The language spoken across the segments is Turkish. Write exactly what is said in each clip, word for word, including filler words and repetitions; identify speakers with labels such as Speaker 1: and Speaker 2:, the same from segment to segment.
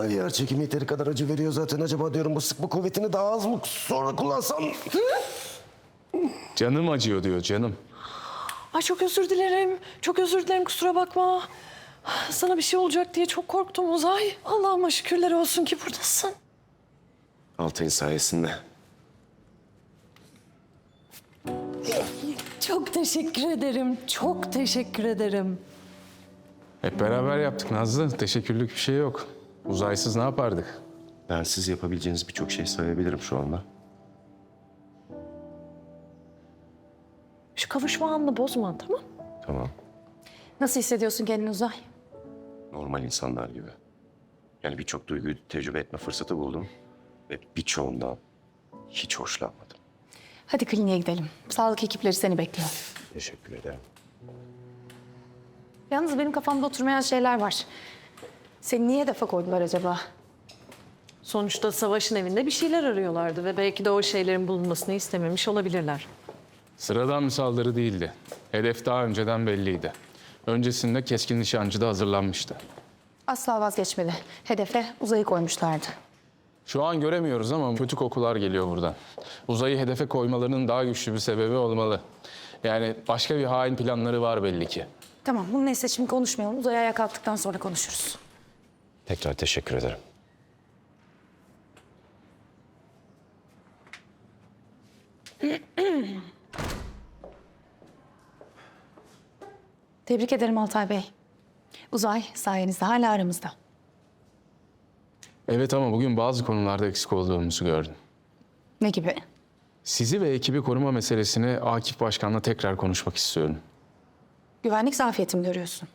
Speaker 1: yer çekimi yeteri kadar acı veriyor zaten. Acaba diyorum bu sıkma kuvvetini daha az mı sonra kullansam?
Speaker 2: Canım acıyor diyor canım.
Speaker 3: Ay çok özür dilerim. Çok özür dilerim, kusura bakma. Sana bir şey olacak diye çok korktum Uzay. Allah'ıma şükürler olsun ki buradasın.
Speaker 1: Altay'ın sayesinde.
Speaker 3: Çok teşekkür ederim. Çok teşekkür ederim.
Speaker 2: Hep beraber yaptık Nazlı. Teşekkürlük bir şey yok. Uzaysız ne yapardık?
Speaker 1: Ben siz yapabileceğiniz birçok şey sayabilirim şu anda.
Speaker 3: Şu kavuşma anını bozma, tamam?
Speaker 1: Tamam.
Speaker 4: Nasıl hissediyorsun kendini Uzay?
Speaker 1: Normal insanlar gibi. Yani birçok duyguyu tecrübe etme fırsatı buldum. Ve birçoğundan hiç hoşlanmadım.
Speaker 4: Hadi kliniğe gidelim. Sağlık ekipleri seni bekliyor.
Speaker 1: Teşekkür ederim.
Speaker 4: Yalnız benim kafamda oturmayan şeyler var. Seni niye hedefe koydular acaba?
Speaker 3: Sonuçta Savaş'ın evinde bir şeyler arıyorlardı ve belki de o şeylerin bulunmasını istememiş olabilirler.
Speaker 2: Sıradan bir saldırı değildi. Hedef daha önceden belliydi. Öncesinde keskin nişancı da hazırlanmıştı.
Speaker 4: Asla vazgeçmedi. Hedefe Uzay'ı koymuşlardı.
Speaker 2: Şu an göremiyoruz ama kötü kokular geliyor buradan. Uzayı hedefe koymalarının daha güçlü bir sebebi olmalı. Yani başka bir hain planları var belli ki.
Speaker 4: Tamam, bunu neyse şimdi konuşmayalım. Uzay ayağa kalktıktan sonra konuşuruz.
Speaker 1: Tekrar teşekkür ederim.
Speaker 4: Tebrik ederim Altay Bey. Uzay sayenizde hala aramızda.
Speaker 2: Evet ama bugün bazı konularda eksik olduğumuzu gördüm.
Speaker 4: Ne gibi?
Speaker 2: Sizi ve ekibi koruma meselesini Akif Başkan'la tekrar konuşmak istiyorum.
Speaker 4: Güvenlik zafiyeti mi görüyorsun?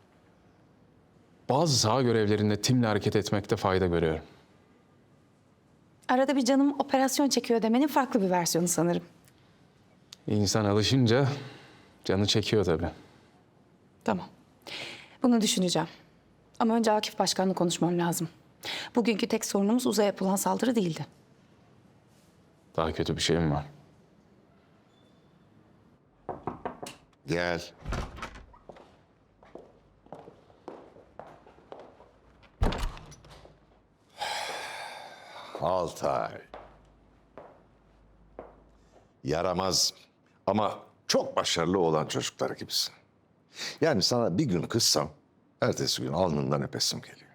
Speaker 2: Bazı saha görevlerinde timle hareket etmekte fayda görüyorum.
Speaker 4: Arada bir canım operasyon çekiyor demenin farklı bir versiyonu sanırım.
Speaker 2: İnsan alışınca canı çekiyor tabii.
Speaker 4: Tamam. Bunu düşüneceğim. Ama önce Akif Başkan'la konuşmam lazım. Bugünkü tek sorunumuz Uzay'a yapılan saldırı değildi.
Speaker 2: Daha kötü bir şey mi var?
Speaker 5: Gel. Altay. Yaramaz ama çok başarılı olan çocuklar gibisin. Yani sana bir gün kızsam, ertesi gün alnından öpesim geliyor.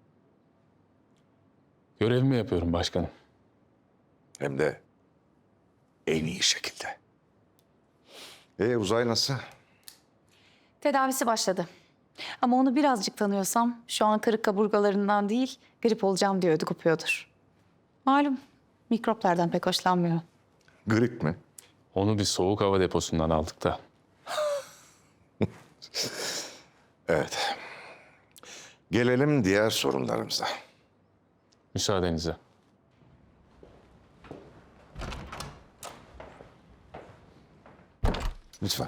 Speaker 2: Görevimi yapıyorum başkanım.
Speaker 5: Hem de en iyi şekilde. Ee, Uzay nasıl?
Speaker 4: Tedavisi başladı. Ama onu birazcık tanıyorsam şu an kırık kaburgalarından değil, grip olacağım diye ödü kopuyordur. Malum mikroplardan pek hoşlanmıyor.
Speaker 5: Grip mi?
Speaker 2: Onu bir soğuk hava deposundan aldık da.
Speaker 5: Evet. Gelelim diğer sorunlarımıza.
Speaker 2: Müsaadenizle.
Speaker 5: Lütfen.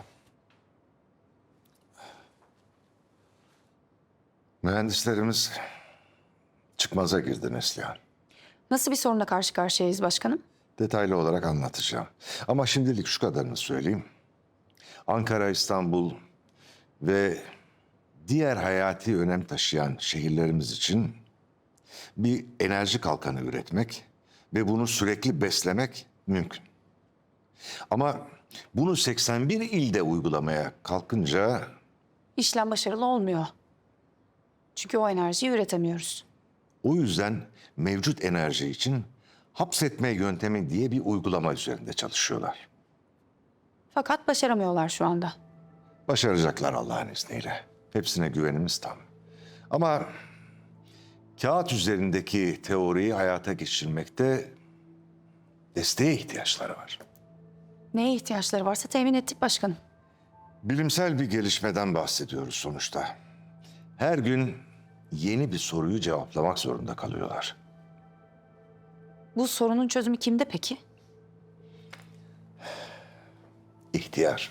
Speaker 5: Mühendislerimiz çıkmaza girdi Neslihan.
Speaker 4: Nasıl bir sorunla karşı karşıyayız başkanım?
Speaker 5: Detaylı olarak anlatacağım. Ama şimdilik şu kadarını söyleyeyim. Ankara, İstanbul ve diğer hayati önem taşıyan şehirlerimiz için bir enerji kalkanı üretmek ve bunu sürekli beslemek mümkün. Ama bunu seksen bir ilde uygulamaya kalkınca
Speaker 4: İşlem başarılı olmuyor. Çünkü o enerjiyi üretemiyoruz.
Speaker 5: o yüzden mevcut enerji için hapsetme yöntemi diye bir uygulama üzerinde çalışıyorlar.
Speaker 4: Fakat başaramıyorlar şu anda.
Speaker 5: Başaracaklar Allah'ın izniyle. Hepsine güvenimiz tam. Ama kağıt üzerindeki teoriyi hayata geçirmekte desteğe ihtiyaçları var.
Speaker 4: Neye ihtiyaçları varsa temin ettik başkanım.
Speaker 5: Bilimsel bir gelişmeden bahsediyoruz sonuçta. Her gün yeni bir soruyu cevaplamak zorunda kalıyorlar.
Speaker 4: Bu sorunun çözümü kimde peki?
Speaker 5: İhtiyar.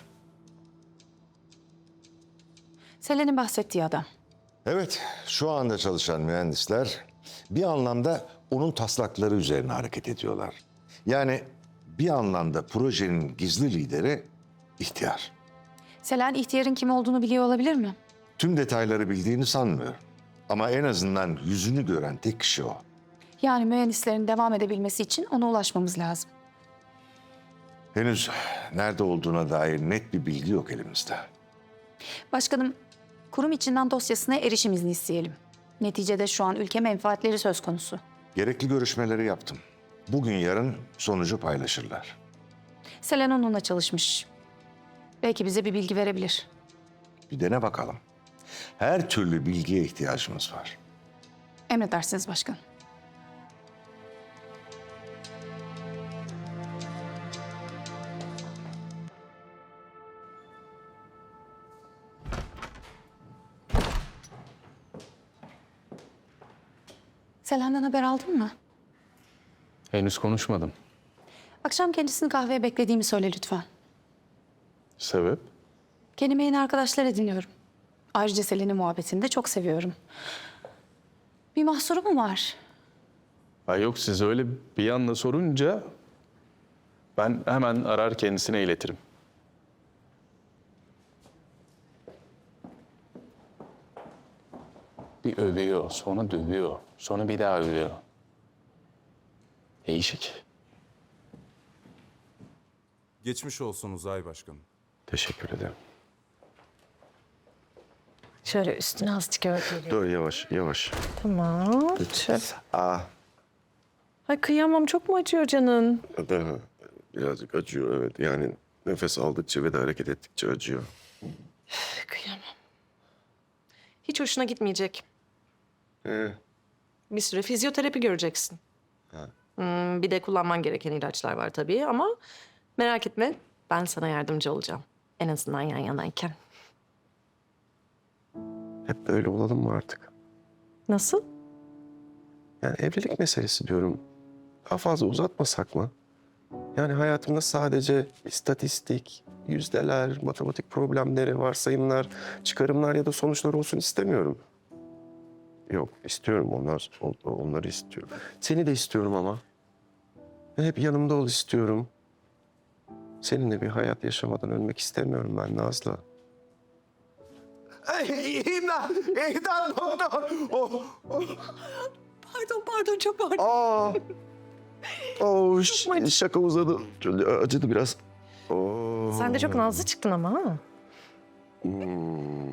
Speaker 4: Selen'in bahsettiği adam.
Speaker 5: Evet, şu anda çalışan mühendisler bir anlamda onun taslakları üzerine hareket ediyorlar. Yani bir anlamda projenin gizli lideri ihtiyar.
Speaker 4: Selen ihtiyarın kim olduğunu biliyor olabilir mi?
Speaker 5: Tüm detayları bildiğini sanmıyorum. Ama en azından yüzünü gören tek kişi o.
Speaker 4: Yani mühendislerin devam edebilmesi için ona ulaşmamız lazım.
Speaker 5: Henüz nerede olduğuna dair net bir bilgi yok elimizde.
Speaker 4: Başkanım, kurum içinden dosyasına erişim izni isteyelim. Neticede şu an ülke menfaatleri söz konusu.
Speaker 5: Gerekli görüşmeleri yaptım. Bugün yarın sonucu paylaşırlar.
Speaker 4: Selen onunla çalışmış. Belki bize bir bilgi verebilir.
Speaker 5: Bir dene bakalım. Her türlü bilgiye ihtiyacımız var.
Speaker 4: Emredersiniz başkanım. Selen'den haber aldın mı?
Speaker 2: Henüz konuşmadım.
Speaker 4: Akşam kendisini kahveye beklediğimi söyle lütfen.
Speaker 2: Sebep?
Speaker 4: Kendime yeni arkadaşlar ediniyorum. Ayrıca Selen'in muhabbetini de çok seviyorum. Bir mahsuru mu var?
Speaker 2: Ay yok, siz öyle bir anda sorunca ben hemen arar kendisine iletirim. Bir övüyor, sonra dövüyor, sonra bir daha övüyor. Değişik.
Speaker 6: Geçmiş olsun Uzay Başkanım.
Speaker 1: Teşekkür ederim.
Speaker 3: Şöyle üstüne azıcık örtelim.
Speaker 1: Dur yavaş yavaş.
Speaker 3: Tamam. Şöyle.
Speaker 1: Aa,
Speaker 3: Ay kıyamam, çok mu acıyor canın?
Speaker 1: da birazcık acıyor evet. Yani nefes aldıkça ve de hareket ettikçe acıyor.
Speaker 3: Kıyamam. Hiç hoşuna gitmeyecek.
Speaker 1: Ee,
Speaker 3: Bir süre fizyoterapi göreceksin. Hmm, bir de kullanman gereken ilaçlar var tabii ama merak etme, ben sana yardımcı olacağım. En azından yan yanayken.
Speaker 1: hep böyle olalım mı artık?
Speaker 3: Nasıl?
Speaker 1: Yani evlilik meselesi diyorum. Daha fazla uzatmasak mı? Yani hayatımda sadece istatistik, yüzdeler, matematik problemleri, varsayımlar, çıkarımlar ya da sonuçlar olsun istemiyorum. Yok, istiyorum onlar, on- onları istiyorum. Seni de istiyorum ama. Ve hep yanımda ol istiyorum. Seninle bir hayat yaşamadan ölmek istemiyorum ben Nazlı. Ay, İmdat! İmdat doktor! Oh, oh.
Speaker 3: Pardon, pardon, çok pardon.
Speaker 1: Aa! Oh, ş- şaka uzadı. Acıdı biraz. Oo.
Speaker 3: Sen de çok nazlı çıktın ama ha.
Speaker 1: Hmm,